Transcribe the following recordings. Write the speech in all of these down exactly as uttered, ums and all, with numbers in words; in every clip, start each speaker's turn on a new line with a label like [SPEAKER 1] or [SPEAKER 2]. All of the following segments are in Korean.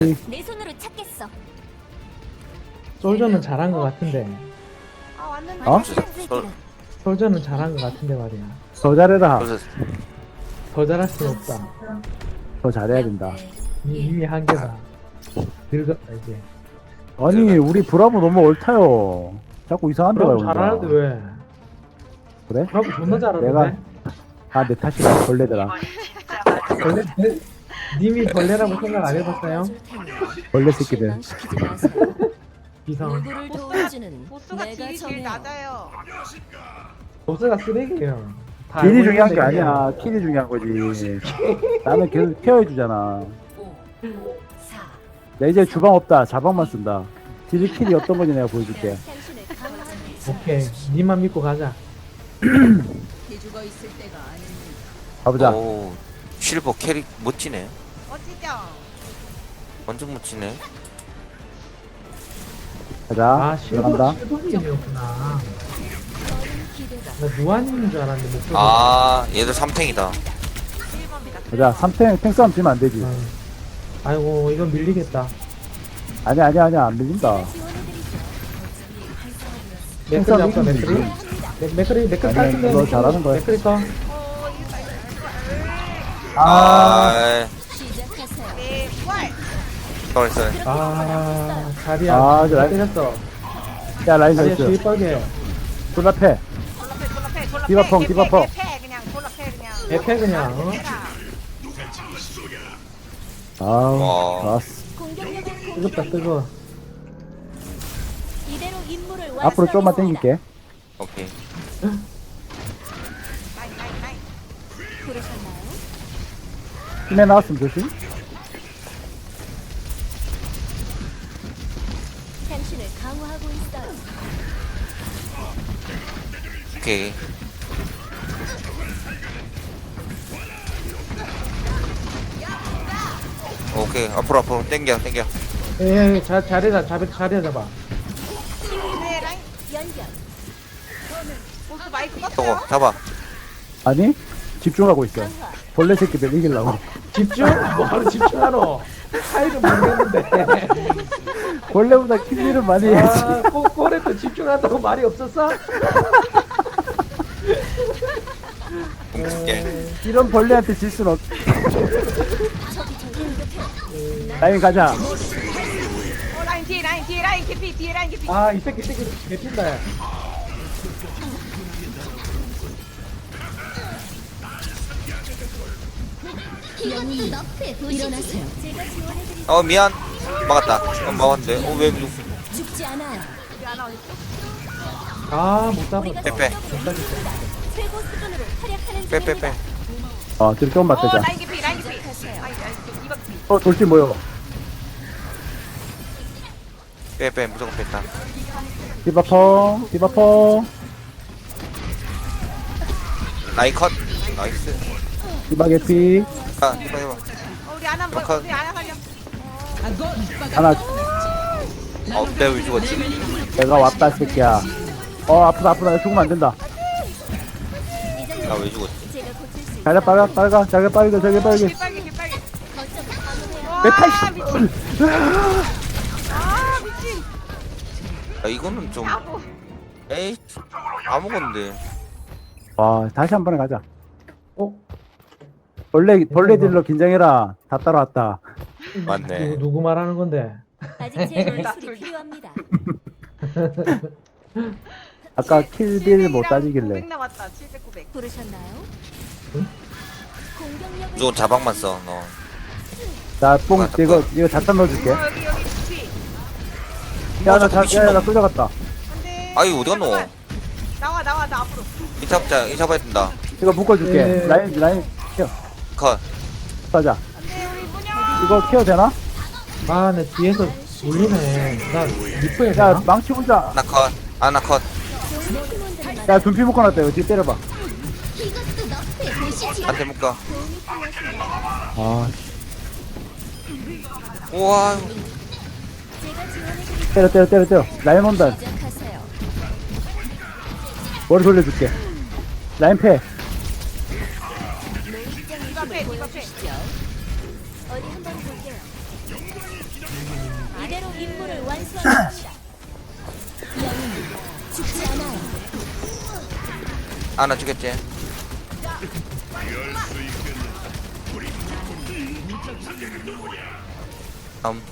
[SPEAKER 1] 내 손으로 찾겠어.
[SPEAKER 2] 솔저는 잘한 것 같은데.
[SPEAKER 1] 아 왔는데.
[SPEAKER 3] 어?
[SPEAKER 1] 솔-
[SPEAKER 2] 솔저는 잘한 것 같은데 말이야.
[SPEAKER 3] 더 잘해라.
[SPEAKER 4] 그래서
[SPEAKER 2] 더 잘할 수 없다.
[SPEAKER 3] 더 잘해야 된다.
[SPEAKER 2] 이- 이미 한계다. 늙었다 이제.
[SPEAKER 3] 아니 우리 브라보 너무 옳다요. 자꾸 이상한 데가
[SPEAKER 2] 브라보
[SPEAKER 3] 온다.
[SPEAKER 2] 잘하는데 왜?
[SPEAKER 3] 그래?
[SPEAKER 2] 브라보 존나 잘하는데.
[SPEAKER 3] 내가 아 내 탓이다. 벌레더라.
[SPEAKER 2] 벌레, 내- 님이 벌레라고 생각 안 해봤어요?
[SPEAKER 3] 벌레 새끼들.
[SPEAKER 2] 비상.
[SPEAKER 1] 누구를 도와주는
[SPEAKER 5] 보스가
[SPEAKER 1] 내가
[SPEAKER 5] 딜이 제일
[SPEAKER 1] 정해요.
[SPEAKER 5] 낮아요.
[SPEAKER 2] 보스가 쓰레기예요. 다
[SPEAKER 3] 딜이
[SPEAKER 2] 알고
[SPEAKER 3] 중요한 게
[SPEAKER 2] 있는데 그냥.
[SPEAKER 3] 아니야. 킬이 중요한 거지. 나는 계속 케어해주잖아.
[SPEAKER 1] 오, 사.
[SPEAKER 3] 나 이제 주방 없다. 자방만 쓴다. 딜이 킬이 어떤 건지 내가 보여줄게.
[SPEAKER 1] 당신을 강화하는
[SPEAKER 2] 오케이. 님만 믿고 가자.
[SPEAKER 1] 죽어 있을 때가 아닙니다.
[SPEAKER 3] 가보자.
[SPEAKER 4] 오 실버 캐릭 멋지네.
[SPEAKER 5] 멋지죠?
[SPEAKER 4] 완전 멋지네.
[SPEAKER 3] 가자.
[SPEAKER 2] 아, 실버,
[SPEAKER 3] 들어간다.
[SPEAKER 2] 실버님이었구나.
[SPEAKER 1] 어린 기대가
[SPEAKER 2] 나 누아님인 줄 알았는데, 목소리.
[SPEAKER 4] 아 얘들 삼탱이다.
[SPEAKER 5] 일 번입니다.
[SPEAKER 3] 가자. 삼 탱, 탱 싸움 지면 안 되지.
[SPEAKER 2] 아이고, 이건 밀리겠다.
[SPEAKER 3] 아니야, 아니야, 아니야. 안 밀린다.
[SPEAKER 1] 지원해드리죠.
[SPEAKER 2] 맥크리
[SPEAKER 3] 싸움
[SPEAKER 2] 잡다,
[SPEAKER 3] 이기면
[SPEAKER 2] 맥크리?
[SPEAKER 3] 되지.
[SPEAKER 2] 맥- 맥크리, 맥크리
[SPEAKER 3] 아니야,
[SPEAKER 2] 깔끔해.
[SPEAKER 3] 너 잘하는 거야.
[SPEAKER 2] 맥크리 거.
[SPEAKER 5] 어, 이거
[SPEAKER 3] 아,
[SPEAKER 4] 아,
[SPEAKER 1] 시작하세요.
[SPEAKER 5] 네, 부활.
[SPEAKER 4] sorry sorry.
[SPEAKER 2] 아, 자리야.
[SPEAKER 3] 아, 저
[SPEAKER 2] 잘
[SPEAKER 3] 라인-
[SPEAKER 2] 때렸어.
[SPEAKER 3] 야, 라인
[SPEAKER 2] 자리야,
[SPEAKER 3] 나이스.
[SPEAKER 2] 주입하게.
[SPEAKER 3] 졸라패.
[SPEAKER 5] 졸라패, 졸라패, 졸라패.
[SPEAKER 3] 디바펑,
[SPEAKER 5] 개패,
[SPEAKER 3] 디바펑.
[SPEAKER 5] 개패, 그냥 졸라패, 그냥.
[SPEAKER 2] 에페 그냥, 어?
[SPEAKER 5] 해라.
[SPEAKER 3] 아우,
[SPEAKER 4] 와.
[SPEAKER 3] 좋았어.
[SPEAKER 1] 공격력을
[SPEAKER 2] 뜨겁다, 뜨거워.
[SPEAKER 1] 이대로 임무를
[SPEAKER 3] 앞으로 좀만
[SPEAKER 1] 완수하겠습니다.
[SPEAKER 3] 당길게.
[SPEAKER 4] 오케이.
[SPEAKER 5] 나인, 나인, 나인.
[SPEAKER 1] 부르셨나요?
[SPEAKER 3] 힘에 나왔으면 조심.
[SPEAKER 1] 당신을 강화하고 있어요.
[SPEAKER 4] 오케이. 오케이 앞으로 앞으로 땡겨 땡겨.
[SPEAKER 2] 예, 예, 자, 자리야, 자리, 자리야 잡아.
[SPEAKER 5] 네, 라인.
[SPEAKER 1] 연결.
[SPEAKER 5] 보스 마이크
[SPEAKER 4] 저거
[SPEAKER 5] 껐어요?
[SPEAKER 4] 잡아.
[SPEAKER 3] 아니, 집중하고 있어.
[SPEAKER 1] 강화.
[SPEAKER 3] 벌레 새끼들 이기려고.
[SPEAKER 2] 집중? 뭐하러 집중하노? 차이를 모르겠는데.
[SPEAKER 3] 벌레보다 킬리를 많이 해야지.
[SPEAKER 2] 아, 꼬, 꼬레 또 집중한다고 말이 없었어?
[SPEAKER 4] 공줄게.
[SPEAKER 3] 이런 벌레한테 질 순 없.
[SPEAKER 1] 적이 절 공격해.
[SPEAKER 3] 라인 가자.
[SPEAKER 5] 어, 라인 뒤에, 라인 뒤에, 라인 개피, 뒤에 라인 개피.
[SPEAKER 2] 아, 이 새끼, 이 새끼, 개핀다. 야.
[SPEAKER 1] 이것도 너프에 일어나세요. 제가 지원해드리죠.
[SPEAKER 4] 어 미안. 막았다. 어, 막았는데. 어왜
[SPEAKER 1] 죽지 않아요.
[SPEAKER 5] 우리 하나 어딨어?
[SPEAKER 2] 아, 못
[SPEAKER 1] 우리가
[SPEAKER 2] 잡았다.
[SPEAKER 4] 빼, 빼.
[SPEAKER 1] 성적으로 이깁니다. 최고 수준으로 활약하는
[SPEAKER 4] 빼 빼 빼.
[SPEAKER 3] 어, 뒤로 조금만
[SPEAKER 5] 어,
[SPEAKER 3] 빼자.
[SPEAKER 5] 라인 개피, 라인 개피.
[SPEAKER 1] 시작하세요.
[SPEAKER 5] 라인, 라인 개피, 이거 개피.
[SPEAKER 3] 어, 돌진 모여.
[SPEAKER 4] 빼 빼 무조건 뺐다.
[SPEAKER 3] 디바펑, 디바펑.
[SPEAKER 4] 나이 컷. 나이스.
[SPEAKER 3] 디바 개피.
[SPEAKER 4] 아 해봐 해봐.
[SPEAKER 5] 어, 우리 하나 뭐,
[SPEAKER 4] 컷.
[SPEAKER 5] 우리 하나 살려.
[SPEAKER 3] 하나,
[SPEAKER 4] 어 내가 왜 죽었지?
[SPEAKER 3] 내가 왔다, 이 새끼야. 어, 아프다, 아프다. 죽으면 안 된다.
[SPEAKER 4] 나 왜 죽었지?
[SPEAKER 1] 제가 고칠 수
[SPEAKER 3] 자기 빨가, 빨가, 자기 빨개, 자기 빨개.
[SPEAKER 5] 개빨개, 개빨개.
[SPEAKER 1] 거점 방어해요.
[SPEAKER 5] 와,
[SPEAKER 3] 메탈
[SPEAKER 5] 미친. 아, 미친.
[SPEAKER 4] 야 이거는 좀
[SPEAKER 5] 아고.
[SPEAKER 4] 에이 아무건데.
[SPEAKER 3] 와, 다시 한 번에 가자.
[SPEAKER 2] 어?
[SPEAKER 3] 벌레, 벌레들로 긴장해라. 다 따라왔다.
[SPEAKER 4] 맞네.
[SPEAKER 2] 누구, 누구 말하는 건데?
[SPEAKER 1] 아직 제
[SPEAKER 5] 둘 다,
[SPEAKER 1] 기술이
[SPEAKER 5] 둘 다.
[SPEAKER 1] 필요합니다.
[SPEAKER 3] 아까 킬딜 못 따지길래.
[SPEAKER 5] 구백 남았다. 칠백, 구백.
[SPEAKER 1] 부르셨나요?
[SPEAKER 2] 응?
[SPEAKER 1] 공격력을
[SPEAKER 4] 무조건 자방만 써 너.
[SPEAKER 3] 자, 뽕, 이거, 이거 자탄 넣어줄게.
[SPEAKER 5] 어, 여기, 여기 개피.
[SPEAKER 3] 야, 나,
[SPEAKER 4] 자꾸
[SPEAKER 3] 자, 야,
[SPEAKER 4] 미친놈.
[SPEAKER 3] 나 쏠려갔다.
[SPEAKER 5] 안 돼.
[SPEAKER 4] 아이 어디 갔노?
[SPEAKER 5] 잠깐만. 나와, 나와, 나 앞으로.
[SPEAKER 4] 이 잡자 이 잡아야 된다.
[SPEAKER 3] 이거 묶어줄게.
[SPEAKER 2] 예.
[SPEAKER 3] 라인, 라인, 케어.
[SPEAKER 4] 컷.
[SPEAKER 3] 가자.
[SPEAKER 5] 안 돼, 우리 문영.
[SPEAKER 3] 이거 케어 되나?
[SPEAKER 2] 아, 내 뒤에서 물리네. 나 리프에
[SPEAKER 3] 야,
[SPEAKER 2] 되나?
[SPEAKER 3] 망치 혼자.
[SPEAKER 4] 나 컷. 아나 컷.
[SPEAKER 1] 좋은 팀원들만
[SPEAKER 3] 야, 둔피 묶어놨다. 이거 뒤에 때려봐.
[SPEAKER 1] 이것도 너프에 보시지.
[SPEAKER 4] 한대 묶어.
[SPEAKER 1] 도움이 필요하신가요?
[SPEAKER 3] 아,
[SPEAKER 4] 우와.
[SPEAKER 1] 제가 지원해드리죠.
[SPEAKER 3] 때려, 때려, 때려, 때려. 라인 온다.
[SPEAKER 1] 시작하세요.
[SPEAKER 3] 머리 돌려줄게. 라인 패.
[SPEAKER 1] 노익장
[SPEAKER 5] 디바 패, 디바 패.
[SPEAKER 1] 보여주시죠. 어디 한번 볼게요. 제대로 임무를 완수합니다. 영웅은 죽지 않아요.
[SPEAKER 4] 아나 죽겠지? 다음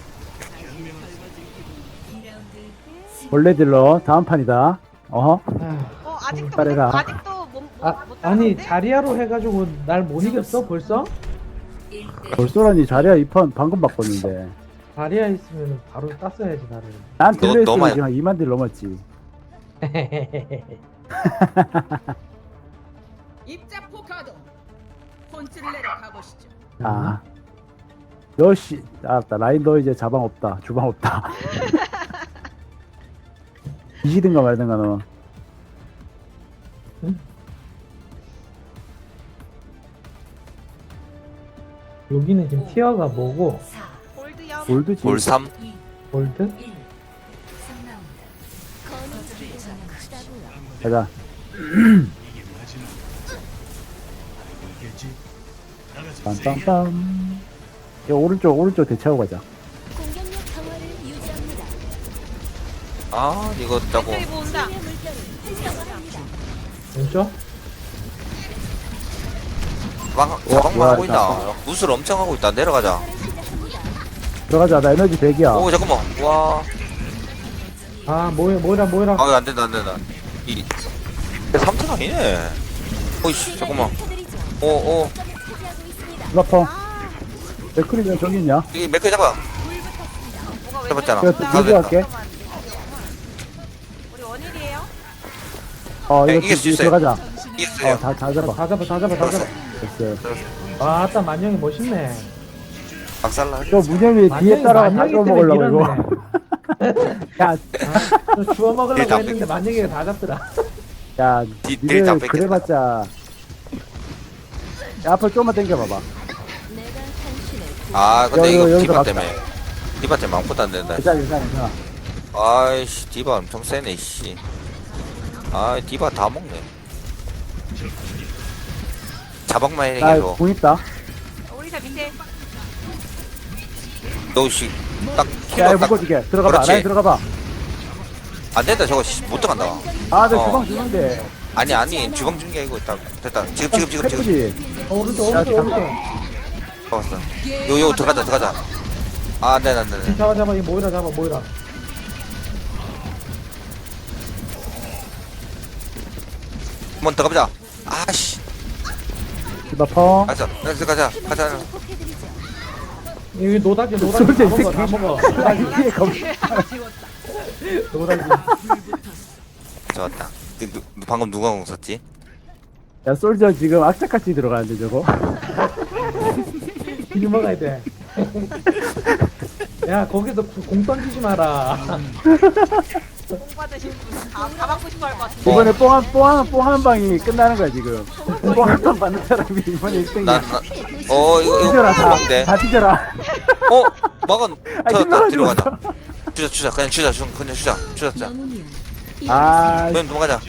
[SPEAKER 3] 원래 딜러 다음 판이다. 어허.
[SPEAKER 2] 아,
[SPEAKER 5] 어 아직도
[SPEAKER 3] 잘해라.
[SPEAKER 5] 못- 아직도 못, 못,
[SPEAKER 2] 아
[SPEAKER 5] 못
[SPEAKER 2] 아니
[SPEAKER 5] 따라가는데?
[SPEAKER 2] 자리아로 해가지고 날 못 이겼어 벌써?
[SPEAKER 3] 벌써라니 자리야 이 판 방금 바꿨는데.
[SPEAKER 2] 자리아 있으면 바로 땄어야지 나를.
[SPEAKER 3] 난
[SPEAKER 4] 너-
[SPEAKER 3] 딜러
[SPEAKER 4] 너만-
[SPEAKER 3] 했으면 지금 한 이만 딜 넘었지.
[SPEAKER 6] 입자 포카도 폰트를 내려 가보시죠.
[SPEAKER 3] 아. 너씨 알았다. 라인 너 이제 자방 없다. 주방 없다. 이기든가 말든가 너.
[SPEAKER 2] 여기는 지금 티어가 뭐고?
[SPEAKER 5] 골드염.
[SPEAKER 3] 골드지.
[SPEAKER 4] 볼 삼
[SPEAKER 2] 골드?
[SPEAKER 1] 거는 기회가 크다고요.
[SPEAKER 3] 가자. 빰빰빰. 야, 오른쪽 오른쪽 대체하고 가자.
[SPEAKER 1] 공격력 강화를 유지합니다.
[SPEAKER 4] 아 이거 따고
[SPEAKER 5] 왼쪽에 모은다.
[SPEAKER 1] 치유의 물결을 활성화합니다.
[SPEAKER 2] 왼쪽?
[SPEAKER 4] 방,
[SPEAKER 3] 와,
[SPEAKER 4] 자방만
[SPEAKER 3] 와,
[SPEAKER 4] 하고 있다. 무술 엄청 하고 있다. 내려가자.
[SPEAKER 1] 차를 시작합니다.
[SPEAKER 3] 들어가자. 나 에너지 백이야.
[SPEAKER 4] 오 잠깐만. 와.
[SPEAKER 2] 아 뭐야 뭐라 뭐라.
[SPEAKER 4] 아 안 된다 안 된다. 이 삼 천 아니네. 어이씨
[SPEAKER 1] 제가
[SPEAKER 4] 잠깐만.
[SPEAKER 1] 일으켜드리죠.
[SPEAKER 4] 오오
[SPEAKER 1] 거점을 차지하고 있습니다.
[SPEAKER 3] 라펑. 맥크리가 저기 있냐?
[SPEAKER 4] 이 맥크 잡아.
[SPEAKER 5] 뭐가 왜
[SPEAKER 4] 잡았잖아.
[SPEAKER 5] 저래?
[SPEAKER 3] 내가 들고 갈게.
[SPEAKER 5] 우리 원일이에요?
[SPEAKER 3] 어
[SPEAKER 4] 야,
[SPEAKER 3] 이거
[SPEAKER 4] 이길 수
[SPEAKER 3] 뒤-
[SPEAKER 4] 있어요.
[SPEAKER 3] 들어가자.
[SPEAKER 4] 이겼어요.
[SPEAKER 3] 어다 다 잡아.
[SPEAKER 2] 다 잡아 다 잡아 다 잡아.
[SPEAKER 3] 됐어.
[SPEAKER 2] 아 아따 만영이 멋있네.
[SPEAKER 4] 박살나.
[SPEAKER 3] 저 문영이 뒤에
[SPEAKER 2] 만영이
[SPEAKER 3] 따라가 다
[SPEAKER 2] 만영이
[SPEAKER 3] 잡아
[SPEAKER 2] 때문에
[SPEAKER 3] 먹으려고
[SPEAKER 2] 밀었네.
[SPEAKER 3] 이거. 야,
[SPEAKER 2] 아, 저 주워 먹으려고
[SPEAKER 4] 뒤에
[SPEAKER 2] 했는데 만영이가 다 잡더라.
[SPEAKER 3] 야,
[SPEAKER 4] 뒤- 뒤에 다
[SPEAKER 3] 니들
[SPEAKER 4] 뺏겼다.
[SPEAKER 3] 그래봤자. 야, 앞으로 좀만 당겨봐봐.
[SPEAKER 1] 내가 당신을
[SPEAKER 4] 아 근데
[SPEAKER 3] 여-
[SPEAKER 4] 이거
[SPEAKER 3] 여기서
[SPEAKER 4] 디바
[SPEAKER 3] 막자.
[SPEAKER 4] 때문에 디바 때문에 아무것도 안 된다.
[SPEAKER 3] 괜찮아, 괜찮아, 괜찮아.
[SPEAKER 4] 아이씨 디바 엄청 세네 씨. 아 디바 다 먹네. 자박만 해
[SPEAKER 3] 나
[SPEAKER 4] 계속.
[SPEAKER 3] 공 있다.
[SPEAKER 5] 우리 다 밑에.
[SPEAKER 4] 너씨 딱
[SPEAKER 3] 야,
[SPEAKER 4] 킬러
[SPEAKER 3] 이거
[SPEAKER 4] 딱.
[SPEAKER 3] 묶어줄게. 들어가봐.
[SPEAKER 4] 그렇지.
[SPEAKER 3] 라인 들어가봐.
[SPEAKER 4] 안 된다 저거 씨, 못 들어간다.
[SPEAKER 3] 아, 내
[SPEAKER 4] 어.
[SPEAKER 3] 주방 주는데.
[SPEAKER 4] 아니 아니 주방 중게 이거 있다. 됐다. 지금 지금 지금 지금.
[SPEAKER 3] 페프지.
[SPEAKER 2] 어, 오른쪽
[SPEAKER 3] 야,
[SPEAKER 2] 오른쪽 오른쪽.
[SPEAKER 4] 잡았어. 요요 들어가자 들어가자. 아 안돼 안돼 안돼.
[SPEAKER 2] 잡아 잡아 이 모이라 잡아 모이라.
[SPEAKER 4] 한번 들어가보자. 아씨.
[SPEAKER 3] 디바펑.
[SPEAKER 4] 가자 가자 가자 가자.
[SPEAKER 1] 회복해드리죠.
[SPEAKER 2] 여기 노다지 노다지
[SPEAKER 3] 솔직히
[SPEAKER 2] 다 먹어 다 먹어.
[SPEAKER 3] 아, 이게 검.
[SPEAKER 2] 노다지.
[SPEAKER 4] 좋았다. 누, 누, 방금 누가 공 썼지?
[SPEAKER 3] 야, 솔저 지금 악착같이 들어가는데 저거.
[SPEAKER 2] 길 먹어야 돼. 야 거기서 구- 공 던지지 마라.
[SPEAKER 5] 공 받으신 분. 다, 다 받고 싶어 할 것 같아.
[SPEAKER 3] 이번에 뽕한 뽕한 뽕한 방이 끝나는 거야 지금. 뽕한 방 받는 사람이 이번에 일 등이야.
[SPEAKER 4] 나나 어 이거 이거
[SPEAKER 3] 뒤져라 다.
[SPEAKER 4] 뭔데?
[SPEAKER 3] 다 뒤져라.
[SPEAKER 4] 어 막은
[SPEAKER 3] 아,
[SPEAKER 4] 터졌다
[SPEAKER 3] 끝나가지고
[SPEAKER 4] 뒤로 가자. 주자 주자 그냥 주자 주 그냥 주자 주자.
[SPEAKER 1] 영웅이여.
[SPEAKER 3] 아,
[SPEAKER 4] 그냥 넘어가자.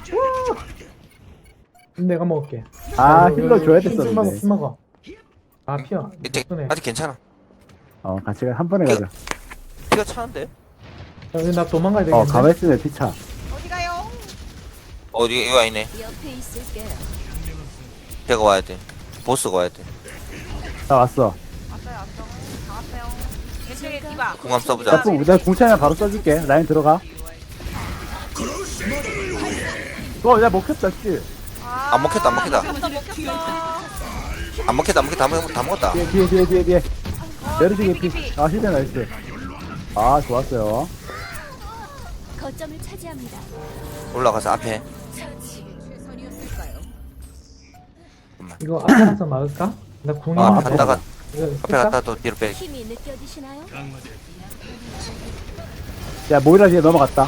[SPEAKER 2] 내가 먹을게.
[SPEAKER 3] 아
[SPEAKER 2] 여기,
[SPEAKER 3] 힐러
[SPEAKER 2] 여기,
[SPEAKER 3] 줘야
[SPEAKER 2] 술 먹어
[SPEAKER 3] 됐었는데.
[SPEAKER 2] 술 먹어. 아 피어.
[SPEAKER 4] 이제
[SPEAKER 2] 손에.
[SPEAKER 4] 아직 괜찮아.
[SPEAKER 3] 어, 같이 가- 한 번에 가자.
[SPEAKER 4] 피가 차는데?
[SPEAKER 2] 여기 나 도망가야 되겠네.
[SPEAKER 3] 어, 가만히 있으면 피차.
[SPEAKER 5] 어디 가요?
[SPEAKER 4] 어디 이거 아니네.
[SPEAKER 1] 옆에 있을게요.
[SPEAKER 4] 걔가 와야 돼. 보스가 와야 돼.
[SPEAKER 3] 나 왔어.
[SPEAKER 5] 왔어요 왔어. 다 왔어요. 왼쪽에 디바.
[SPEAKER 4] 공함 써보자.
[SPEAKER 3] 자, 뽕, 내가 공차이나 바로 써줄게. 라인 들어가. 어, 야 먹혔다, 씨.
[SPEAKER 5] 아,
[SPEAKER 4] 안 먹혔다, 안 먹혔다.
[SPEAKER 5] 먹혔어 먹혔어.
[SPEAKER 4] 안 먹겠다 안 먹겠다 안 먹겠다 다 먹었다.
[SPEAKER 3] 뒤에, 뒤에, 뒤에, 뒤에, 뒤에.
[SPEAKER 5] 어,
[SPEAKER 3] 내려주게
[SPEAKER 5] 피피,
[SPEAKER 3] 피.
[SPEAKER 5] 피피.
[SPEAKER 3] 아, 힐드 나이스. 아, 좋았어요.
[SPEAKER 1] 거점을 차지합니다.
[SPEAKER 4] 올라가서 앞에.
[SPEAKER 2] 이거 앞에 가서 막을까? 나 궁이
[SPEAKER 4] 아,
[SPEAKER 2] 있는데.
[SPEAKER 4] 갔다가
[SPEAKER 2] 이거
[SPEAKER 4] 앞에
[SPEAKER 2] 쓸까?
[SPEAKER 4] 갔다 또 뒤로 빼.
[SPEAKER 1] 힘이 느껴지시나요?
[SPEAKER 3] 야, 모이라 뒤에 넘어갔다.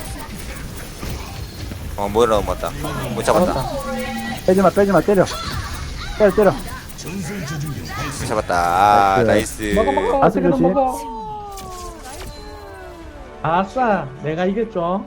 [SPEAKER 4] 어 뭐라 맞다. 못 잡았다.
[SPEAKER 3] 빼지마, 빼지마, 때려. 때려, 때려.
[SPEAKER 4] 못 잡았다. 아
[SPEAKER 3] 나이스.
[SPEAKER 4] 나이스.
[SPEAKER 2] 먹어 먹어.
[SPEAKER 3] 아스
[SPEAKER 2] 어떻게든
[SPEAKER 3] 조심.
[SPEAKER 2] 먹어. 아싸, 내가 이겼죠.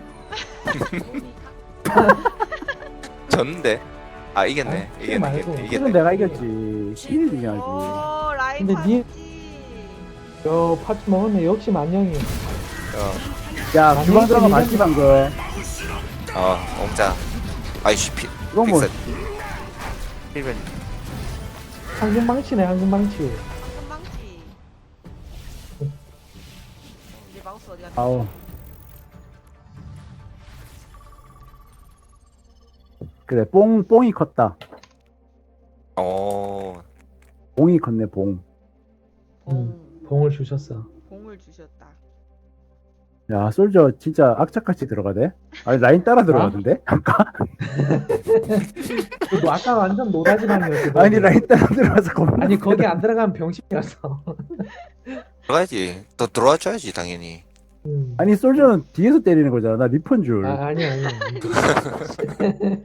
[SPEAKER 4] 졌는데. 아 이겼네.
[SPEAKER 2] 아,
[SPEAKER 4] 이겼네.
[SPEAKER 2] 말고.
[SPEAKER 4] 이겼네.
[SPEAKER 3] 힐은
[SPEAKER 4] 이겼네.
[SPEAKER 3] 내가 이겼지. 힐이 중요하지.
[SPEAKER 5] 오 라인
[SPEAKER 2] 근데 니-
[SPEAKER 5] 파티.
[SPEAKER 2] 요 파츠 먹었네. 역시 만영이.
[SPEAKER 3] 야 주방 들어가 맞지 방금.
[SPEAKER 4] 어 옹자 아이씨 피
[SPEAKER 3] 이건 뭐
[SPEAKER 4] 픽셋 필벤
[SPEAKER 2] 황금 망치네 황금 망치.
[SPEAKER 5] 금방지. 이제 마우스 어디 갔나?
[SPEAKER 3] 아우. 그래 뽕 뽕이 컸다.
[SPEAKER 4] 어
[SPEAKER 3] 봉이 컸네 봉.
[SPEAKER 5] 봉.
[SPEAKER 2] 봉을 주셨어.
[SPEAKER 5] 봉을 주셨다.
[SPEAKER 3] 야 솔저 진짜 악착같이 들어가대. 아니 라인 따라 들어가던데? 아까?
[SPEAKER 2] 너 아까 완전 노다지방이었어.
[SPEAKER 3] 아니 라인 따라 들어가서 겁나.
[SPEAKER 2] 아니 거기 안 들어가면 병신이었어.
[SPEAKER 4] 들어가야지 더 들어와 줘야지 당연히
[SPEAKER 2] 음.
[SPEAKER 3] 아니 솔저는 뒤에서 때리는 거잖아. 나 리펀 줄.
[SPEAKER 2] 아 아니 아니. 아니.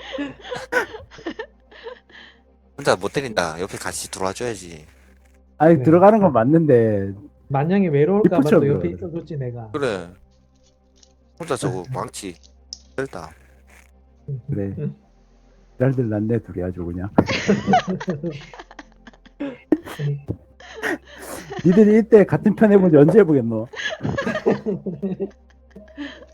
[SPEAKER 4] 혼자 못 때린다 옆에 같이 들어와 줘야지
[SPEAKER 3] 아니
[SPEAKER 2] 네.
[SPEAKER 3] 들어가는 건 맞는데
[SPEAKER 2] 만약에 외로울까봐 또
[SPEAKER 3] 리포처럼
[SPEAKER 2] 옆에
[SPEAKER 3] 들어가야
[SPEAKER 2] 있어줬지 내가.
[SPEAKER 4] 그래 혼자 저거 망치 셀다
[SPEAKER 3] 그래.
[SPEAKER 2] 응.
[SPEAKER 3] 잘들 났네 둘이 아주 그냥. 니들이 이때 같은 편 해본 지 언제 해보겠노?